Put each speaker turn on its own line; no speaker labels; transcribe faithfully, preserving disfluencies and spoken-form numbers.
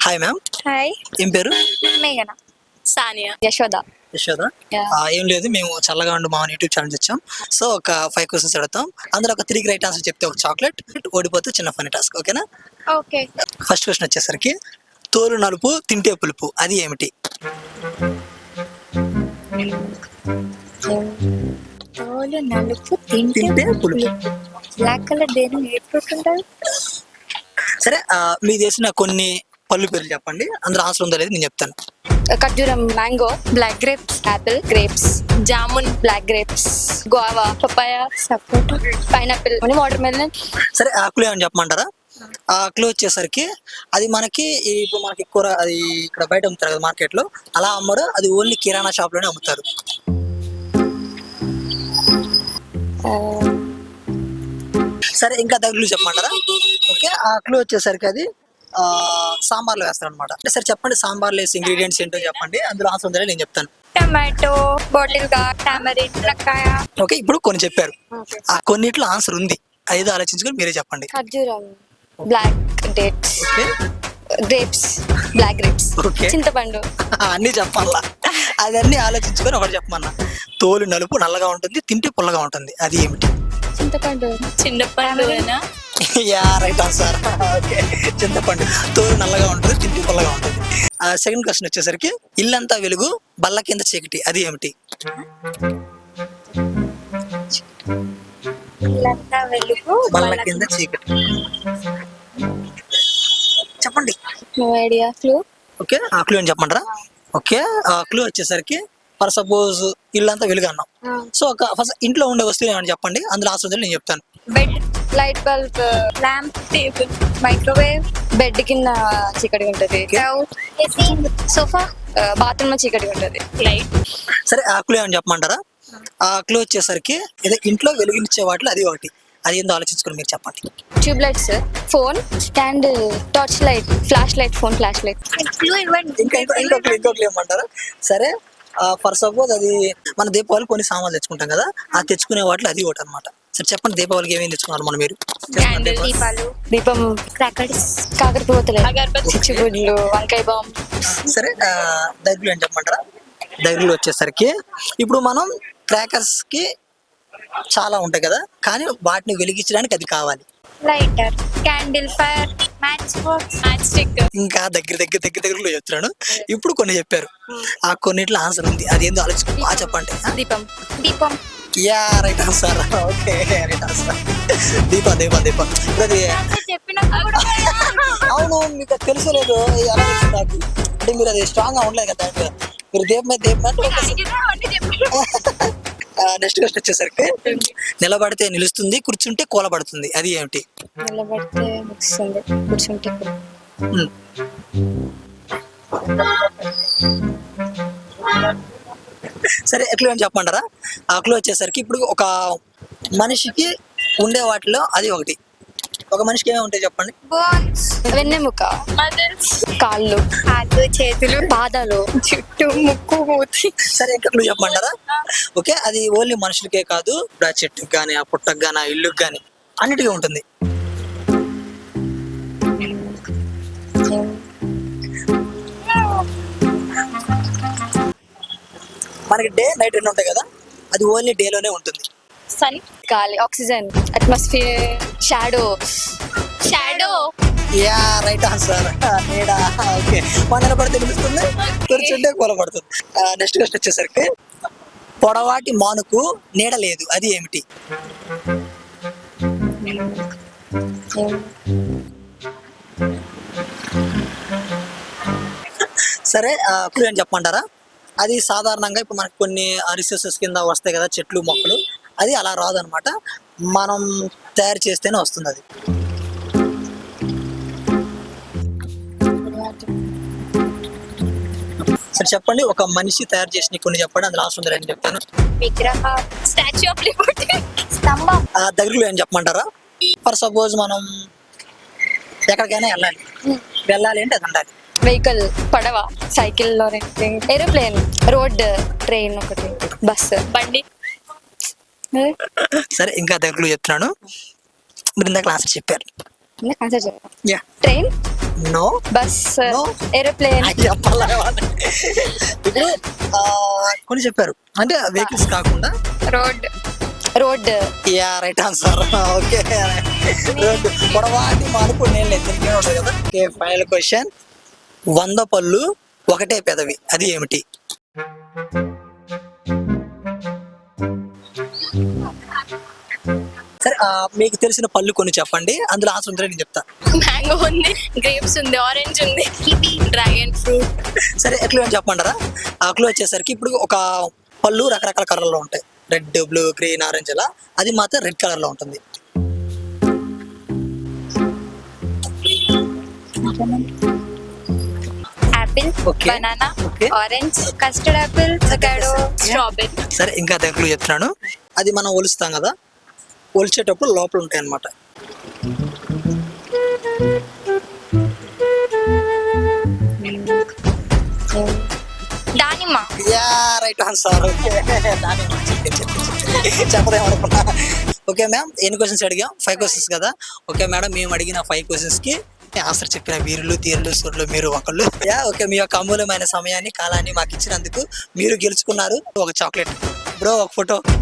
Hi ma'am.
Hi.
ఏం పేరు?
మేఘన. సానియా. యశోద.
యశోద.
Yeah.
ఏం లేదు, మేము చల్లగా ఉండు మా యూట్యూబ్ ఛానల్ వచ్చాం. సో ఒక ఫైవ్ క్వశ్చన్స్ అడుగుతాం, అందులో ఒక త్రీ రైట్ ఆన్సర్ చెప్తే ఒక చాక్లెట్, ఓడిపోతే చిన్న ఫనీ టాస్క్. ఓకేనా?
ఓకే.
ఫస్ట్ క్వశ్చన్ వచ్చేసరికి తోలు నలుపు తింటే పులుపు అది ఏమిటి?
తోలు నలుపు తింటే
తింటే పులుపు.
బ్లాక్ కలర్ దేని ఏర్పడుతుంటారు?
సరే, మీ చేసిన కొన్ని పళ్ళు పేర్లు చెప్పండి, అందులో ఆన్సర్ ఉందో లేదు నేను చెప్తాను.
ఖర్జూరం, mango, black grapes, apple, grapes, jamun, black grapes, guava, papaya, sapota, pineapple, watermelon.
సరే, ఆకులు ఏమని చెప్పమంటారా? ఆ ఆకులు వచ్చేసరికి అది మనకి ఇప్పుడు మనకి కూర అది ఇక్కడ బయట అమ్ముతారు కదా మార్కెట్ లో, అలా అమ్మరు, అది ఓన్లీ కిరాణా షాప్ లోనే అమ్ముతారు. సరే, ఇంకా దగ్గరలు చెప్పమంటారా? ఓకే, ఆ ఆకులు వచ్చేసరికి అది ఆ సాంబార్లో వేస్తారు అనమాట. అంటే సరే చెప్పండి, సాంబార్లో వేసే ఇంగ్రీడియంట్స్ ఏంటో చెప్పండి, అందులో ఆన్సర్ ఉందో నేను చెప్తాను.
టమాటో, బాటిల్ గార్డ్, టామరిన్, మునక్కాయ.
ఓకే, ఇప్పుడు కొన్ని చెప్పారు, ఆ కొన్నిట్లో ఆన్సర్ ఉంది, ఐదో ఆలోచించుకొని మీరే చెప్పండి.
ఖర్జూరం, black dates,
okay,
grapes, black grapes,
okay,
చింతపండు.
అన్ని చెప్పాలా? అదన్నీ ఆలోచించుకొని ఒకటి చెప్పమన్నా. తోలు నలుపు నల్లగా ఉంటుంది, తింటే పుల్లగా ఉంటుంది, అది ఏమిటి?
చింతపండు. చింతపండు.
Yeah, right answer. ఓకే, చింతపండు. తోలు నల్లగా ఉంటుంది, తింటే పుల్లగా ఉంటుంది. సెకండ్ క్వశ్చన్ వచ్చేసరికి ఇల్లంతా వెలుగు బల్ల కింద చీకటి అది ఏమిటి?
ఇల్లంతా వెలుగు
బల్ల కింద చీకటి చెప్పండి.
No idea. క్లూ.
ఓకే, ఆ క్లూ అని చెప్పమంటారా? ఓకే, ఆ క్లూ వచ్చేసరికి ఫర్ సపోజ్ ఇల్లంతా వెలుగు అన్నాం, సో ఒక ఫస్ట్ ఇంట్లో ఉండే వస్తువులు ఏమని చెప్పండి, అందులో ఆన్సర్ నేను చెప్తాను.
Bed, light bulb, lamp, table, microwave. Bed కింద చీకటి ఉంటది. సోఫా, బాత్రూమ్ లో చీకటి ఉంటది. లైట్.
సరే, ఆ క్లూ ఏమని చెప్పమంటారా? ఆ క్లూ వచ్చేసరికి ఏదో ఇంట్లో వెలుగునిచ్చే వాటిలో అది ఒకటి, అది ఏందో ఆలోచించుకొని మీరు చెప్పండి.
Tube lights, phone, candle, torch light, flash light, phone flash light.
ఇంకా ఇంకొక ఇంకొకరు ఏమంటారా? సరే, ఫర్ సపోజ్ అది మన దీపావళి కొన్ని సామాన్లు తెచ్చుకుంటాం కదా, ఆ తెచ్చుకునే వాటిలో అది ఒకటి అనమాట. సరే చెప్పండి, దీపావళికి ఏమేమి తెచ్చుకున్నారు మనం మీరు?
దీపాలు, దీపం, క్రాకర్స్, కాకరపోతలు, చిచ్చుబుడ్లు, వంకాయ బాంబ్.
సరే, దగ్గరలు అని చెప్పమంటారా? దగ్గరలు వచ్చేసరికి ఇప్పుడు మనం క్రాకర్స్ కి చాలా ఉంటాయి కదా, కానీ వాటిని వెలిగించడానికి అది కావాలి.
Lighter, candle, fire, match box, match stick.
ఇంకా దగ్గర దగ్గర దగ్గర దగ్గరలో చెప్తున్నాను. ఇప్పుడు కొన్ని చెప్పారు, ఆ కొన్నిట్లో ఆన్సర్ ఉంది, అది ఏందో ఆలోచించుకో. ఆ చెప్పండి.
దీపం. దీపం.
Yeah, right answer. Okay, right answer. దీపం దీపం దీపం అది. అవును, మీకు తెలుసు లేదు ఎలా తెలుసు నాకు, అంటే మీరు అది స్ట్రాంగ్ గా ఉండలేదు కదా, మీరు దీపం మీద దీపం. నెక్స్ట్ క్వశ్చన్ వచ్చేసరికి నిలబడితే నిలుస్తుంది, కూర్చుంటే కూలబడుతుంది అది ఏమిటి?
నిలబడితే నిలుస్తుంది, కూర్చుంటే.
సరే, ఎట్లా అని చెప్పమంటారా? ఆ క్లూ వచ్చేసరికి ఇప్పుడు ఒక మనిషికి ఉండే వాటిలో అది ఒకటి. ఒక మనిషికి ఏమేమి ఉంటాయి చెప్పండి?
బోన్స్, వెన్నెముక, కాళ్ళు, కాళ్ళు, చేతులు, పాదాలు, చుట్టూ, ముక్కు, మూతి.
సరే, ఇంకా క్లూ చెప్పమంటారా? ఓకే, అది ఓన్లీ మనుషులకే కాదు, ఇప్పుడు ఆ చెట్టుకి కానీ ఆ పుట్టకు కానీ ఆ ఇల్లుకి కానీ అన్నిటికీ ఉంటుంది. మనకి డే నైట్ రెండు ఉంటాయి కదా, అది ఓన్లీ డేలోనే ఉంటుంది.
సన్, గాలి, oxygen, atmosphere, shadow. Shadow.
Yeah, right answer. నీడ. ఓకే, మన నిలబడితే నిలుస్తుంది, కూర్చుంటే కూలబడుతుంది. నెక్స్ట్ క్వశ్చన్ వచ్చేసరికి పొడవాటి మానుకు నీడ లేదు అది ఏమిటి? సరే, క్లూ అని చెప్పమంటారా? అది సాధారణంగా ఇప్పుడు మనకి కొన్ని రిసోర్సెస్ కింద వస్తాయి కదా, చెట్లు మొక్కలు, అది అలా రాదు అనమాట, మనం తయారు చేస్తేనే వస్తుంది అది. సరే చెప్పండి, ఒక మనిషి తయారు చేసిన కొన్ని చెప్పండి, అందులో ఆన్సర్ ఉందని చెప్తాను.
విగ్రహ, స్టాచ్యూ ఆఫ్ లిబర్టీ, స్తంభం.
దగ్గరలో ఏం చెప్పమంటారా? ఫర్ సపోజ్ మనం ఎక్కడికైనా వెళ్ళాలి, వెళ్ళాలి అంటే అది ఉండాలి.
వెహికల్, పడవ, సైకిల్, ఏరోప్లేన్, రోడ్, ట్రైన్, ఒకటి బస్, బండి.
సరే, ఇంకా దగ్గరలో చెప్తున్నాను, మీరు ఇందాక ఆన్సర్ చెప్పారు.
ఆన్సర్ చెప్పారు. Train,
no.
Bus,
No.
Aeroplane,
ఇప్పుడు ఆ, కొన్ని చెప్పారు అంటే వెహికల్స్ కాకుండా.
Road, road,
yeah right answer. Okay road. పొడవాటి మార్పు నేను లేదు దీనికి ఉంటుంది కదా. Okay final question. వంద పళ్ళు ఒకటే పెదవి అది ఏమిటి? సరే ఆ, మీకు తెలిసిన పళ్ళు కొన్ని చెప్పండి, అందులో ఆన్సర్ ఉంటే నేను చెప్తా.
మ్యాంగో ఉంది, గ్రేప్స్ ఉంది, ఆరెంజ్ ఉంది, కివి, డ్రాగన్ ఫ్రూట్.
సరే ఎట్లా అని చెప్పమంటారా? ఆ క్లూ వచ్చేసరికి ఇప్పుడు ఒక పళ్ళు రకరకాల కలర్లో ఉంటాయి, రెడ్, బ్లూ, గ్రీన్, ఆరెంజ్ అలా. అది మాత్రం రెడ్ కలర్లో ఉంటుంది.
Apple,
Okay.
Banana,
Okay.
Orange, custard apple, avocado, strawberry.
సరే ఇంకా అదే క్లూ చెప్తున్నాను. అది మనం ఒలుస్తాం కదా, ఒలిచేటప్పుడు లోపల ఉంటాయి అన్నమాట.
దానిమ్మ.
Yeah right answer. చెప్పదేమనుకున్నా. ఓకే మ్యామ్, ఎన్ని క్వశ్చన్స్ అడిగాం? ఫైవ్ క్వశ్చన్స్ కదా. ఓకే మేడం, మేము అడిగిన ఫైవ్ క్వశ్చన్స్ కి ఆన్సర్ చెప్పిన వీరులు, తీరులు, సురులు మీరు ఒకళ్ళు. యా ఓకే, మీ యొక్క అమూల్యమైన సమయాన్ని, కాలాన్ని మాకు ఇచ్చినందుకు మీరు గెలుచుకున్నారు ఒక చాక్లెట్. బ్రో ఒక ఫోటో.